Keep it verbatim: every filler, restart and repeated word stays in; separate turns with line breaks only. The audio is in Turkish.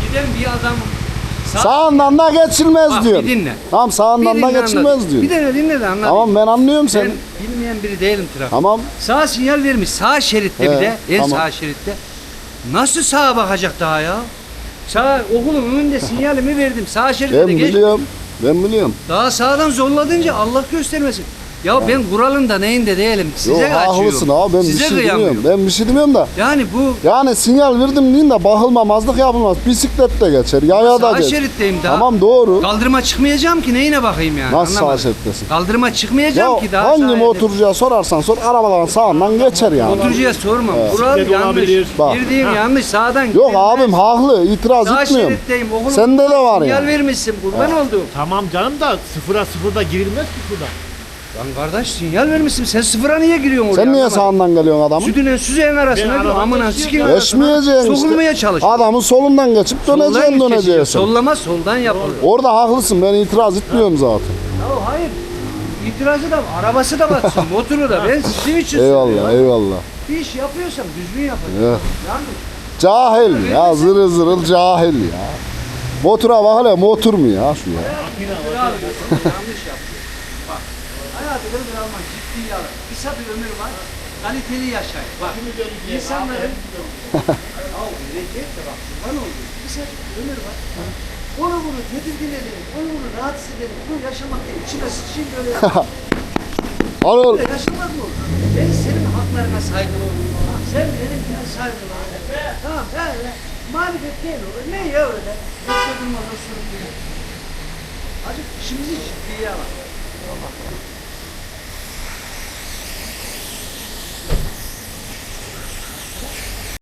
giden bir adam sağ,
Sağından da geçilmez
bak,
diyor.
bir dinle.
Tamam sağından
Bir
da
dinle
geçilmez
anlat.
diyor.
Bir de dinle de anlat.
Tamam ben anlıyorum seni.
Ben bilmeyen biri değilim trafik.
Tamam.
Sağ sinyal vermiş. Sağ şeritte
He,
bir de. En
tamam.
sağ şeritte. Nasıl sağa bakacak daha ya? Sağ okulun önünde sinyalimi verdim. Sağ şeritte
Ben
de geç.
biliyorum. Ben biliyorum.
Daha sağdan zorladınca Allah göstermesin. Ya ben kuralında neyinde değilim. Size
Yok
kaçıyorum.
haklısın abi ben
Size
bir şey
kıyamıyorum.
demiyorum. Ben bir şey demiyorum da.
Yani bu
Yani sinyal verdim deyin de bakılmamazlık yapılmaz. Bisiklet de geçer, yaya da
sağ
geçer.
şeritteyim daha.
Tamam doğru.
Kaldırıma çıkmayacağım ki neyine bakayım yani.
Nasıl sağ
Anlamadım.
şerittesin?
Kaldırıma çıkmayacağım
Ya
ki daha.
hangi
sağa
motorcuya sorarsan sor arabaların sağından geçer yani.
Motorcuya sormam. Kural
Bisiklet
yanlış.
olabilir.
Bak.
Girdiğim yanlış. Sağdan
Yok
girilmez.
abim haklı, itiraz
Sağ
etmiyorum.
şeritteyim. Oğlum,
Sende de var
sinyal
yani.
vermişsin. Kurban oldum.
Tamam canım da sıfıra sıfırda girilmez ki şurada.
Lan kardeş sinyal vermişsin. Sen sıfıra niye giriyorsun oraya?
Sen niye
Anlamadım.
sağından geliyorsun adamın?
Sütüne süzeyin arasına
Ben
diyor.
arabadan
Amına
geçiyorum
sikin
ya.
arasına.
Geçmeyeceksin
Sokulmaya
işte.
çalış.
Adamın solundan geçip
Soldan
döneceksin
geçiyor.
döneceksin.
Sollama soldan yapılır.
Orada haklısın ben itiraz etmiyorum zaten.
Ya hayır. İtirazı da arabası da batsın, motoru da. Ben sizin için
Eyvallah
söylüyorum.
eyvallah.
Bir iş yapıyorsam düzgün yapacağım.
Evet.
Yanlış.
Cahil ya zırıl zırıl cahil ya. Motora bak hele motor mu ya şu ya.
Yanlış yapıyor. Bak. Hayatı ömür almak ciddi alır. Kısa bir ömür var. Kaliteli yaşayın. Bak. İnsanların ya üretecek de bak. Kurban oldu. Kısa bir ömür var. Onu bunu tedirgin edelim. Onu bunu rahatsız edelim. Bunu yaşamak değil. İçine sıçayım böyle.
Anıl.
Böyle yaşamak mı olur? Ben senin haklarına saygılı olurum. Sen benim ben saygılı olurum. Tamam öyle. Marifet değil olur. Ne ya öyle? Yoksa durmaz o sorun değil. Hadi işimizi ciddiye alalım.